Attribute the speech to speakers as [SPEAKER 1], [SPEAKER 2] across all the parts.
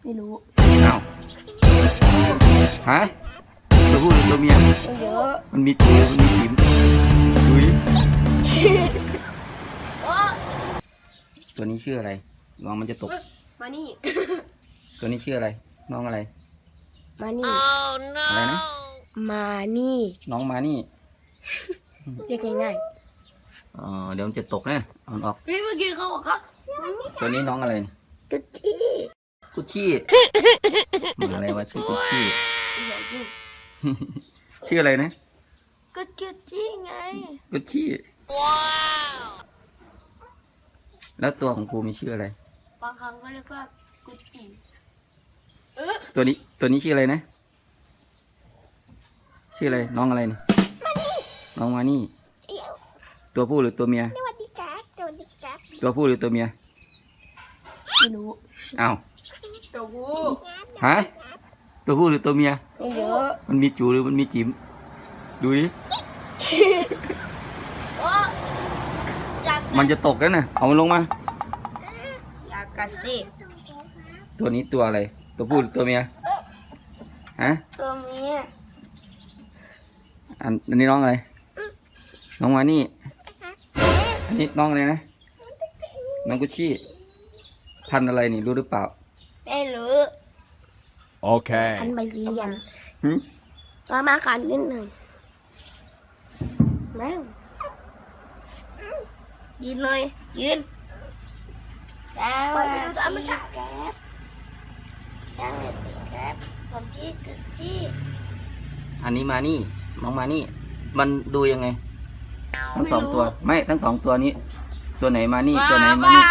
[SPEAKER 1] ไม่รู้
[SPEAKER 2] อ้าวฮะตัวผู้หรือตัวเมีย
[SPEAKER 1] ไม่เยอะ
[SPEAKER 2] มันมีตัวมันมีจิ๋มดูดิตัวนี้ชื่ออะไรน้องมันจะตก
[SPEAKER 1] มานี่
[SPEAKER 2] ตัวนี้ชื่ออะไรน้องอะไร
[SPEAKER 1] มานี่
[SPEAKER 2] อะไรนะ
[SPEAKER 1] มานี่
[SPEAKER 2] น้องมานี่
[SPEAKER 1] เรียกง่าย
[SPEAKER 2] เดี๋ยวมันจะตกนะเอามันออก
[SPEAKER 1] ๆพี่เมื่อกี้เขาบอกครับ
[SPEAKER 2] ตัวนี้น้องอะไร
[SPEAKER 1] กุชชี่
[SPEAKER 2] กุชชี่มาอะไรวะชื่อกุชชี่
[SPEAKER 1] อย่ายุ่ง
[SPEAKER 2] ชื่ออะไรนะ
[SPEAKER 1] กุชชี่ไง
[SPEAKER 2] กุชชี่ว้าวแล้วตัวของกูมีชื่ออะไร
[SPEAKER 1] บางครั้งก็เรียกว่ากุชชี่
[SPEAKER 2] ตัวนี้ชื่ออะไรนะชื่ออะไรน้องอะไรนี่น้องมานี่ตัวผู้หรือตัวเมีย
[SPEAKER 1] สวัสดีครับสวัสดีครับ
[SPEAKER 2] ตัวผู้หรือตัวเมีย
[SPEAKER 1] ไม่รู้
[SPEAKER 2] อ้าว
[SPEAKER 1] ตัวผู้
[SPEAKER 2] ฮะตัวผู้หรือตัวเมีย
[SPEAKER 1] ไม่เยอะ
[SPEAKER 2] มันมีจูหรือมันมีจิ๋มดูดิ มันจะตกแล้วนะเอามันลงมา
[SPEAKER 1] อยากกัดสิ
[SPEAKER 2] ตัวนี้ตัวอะไร ตัวผู้หรือตัวเมียฮะ
[SPEAKER 1] ตัวเมีย
[SPEAKER 2] อันนี้น้องอะไรน้องมานี่อันนี้น้องอะไรนะน้องกุชชี่พันธุ์อะไรนี่รู้หรือเปล่า
[SPEAKER 1] ไม่รู้
[SPEAKER 3] Okay.
[SPEAKER 1] อันใบเรียน
[SPEAKER 2] หึ
[SPEAKER 1] มาขันนิดหนึ่งแม่ยืนเลยยืนแล้วไปดูตัวมันชักแก๊บผมที่กึกจี้
[SPEAKER 2] อันนี้มานี่น้องมานี่ มันดูยังไงทั้งสองตัวไม่ทั้งสองตัวนี้ ตัวไหนมานี่ตัวไหนมานี่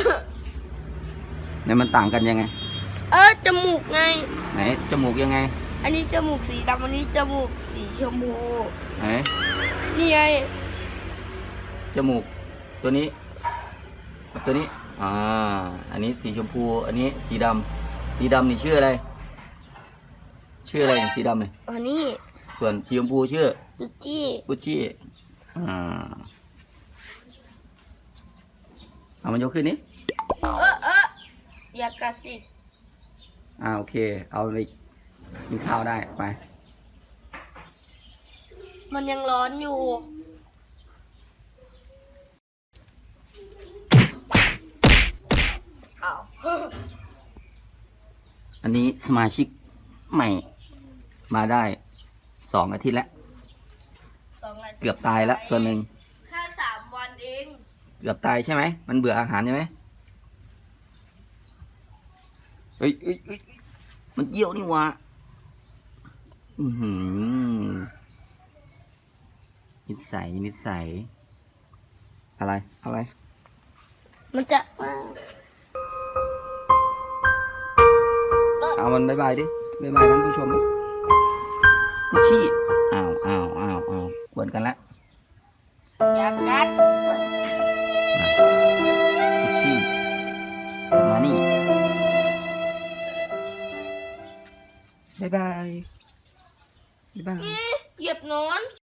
[SPEAKER 2] เนี่ยมันต่างกันยังไง
[SPEAKER 1] จมูกไง
[SPEAKER 2] ไหนจมูกยังไง
[SPEAKER 1] อันนี้จมูกสีดำอันนี้จมูกสีชมพู
[SPEAKER 2] ไหน
[SPEAKER 1] นี่ไง
[SPEAKER 2] จมูกตัวนี้ตัวนี้อันนี้สีชมพูอันนี้สีดำสีดำนี่ชื่ออะไรชื่ออะไรสีดำเนี่ย
[SPEAKER 1] อันนี้
[SPEAKER 2] ส่วนสีชมพูชื่อ
[SPEAKER 1] กึกจี้
[SPEAKER 2] กุชชี่เอามันยกขึ้นนี้
[SPEAKER 1] อย่ากัดสิ
[SPEAKER 2] โอเคเอาไปกินข้าวได้ไป
[SPEAKER 1] มันยังร้อนอยู่อ้าว
[SPEAKER 2] อันนี้สมาชิกใหม่มาได้2 อาทิตย์แล้ว
[SPEAKER 1] 2 อาทิตย์
[SPEAKER 2] เกือบตายแล้วตัวหนึ่ง
[SPEAKER 1] แค่3 วันเอง
[SPEAKER 2] เกือบตายใช่ไหมมันเบื่ออาหารใช่ไหมเฮ้ยมันเยี่ยวนี่หวะนิสัยอะไร
[SPEAKER 1] มันจะ
[SPEAKER 2] เอามันบายบายดิบายบายท่านผู้ชมดิกุชชี่อ้าวกวนกันละ
[SPEAKER 1] อยากกัด
[SPEAKER 2] กุชชี่มานี่บายบาย
[SPEAKER 1] เหยียบนอน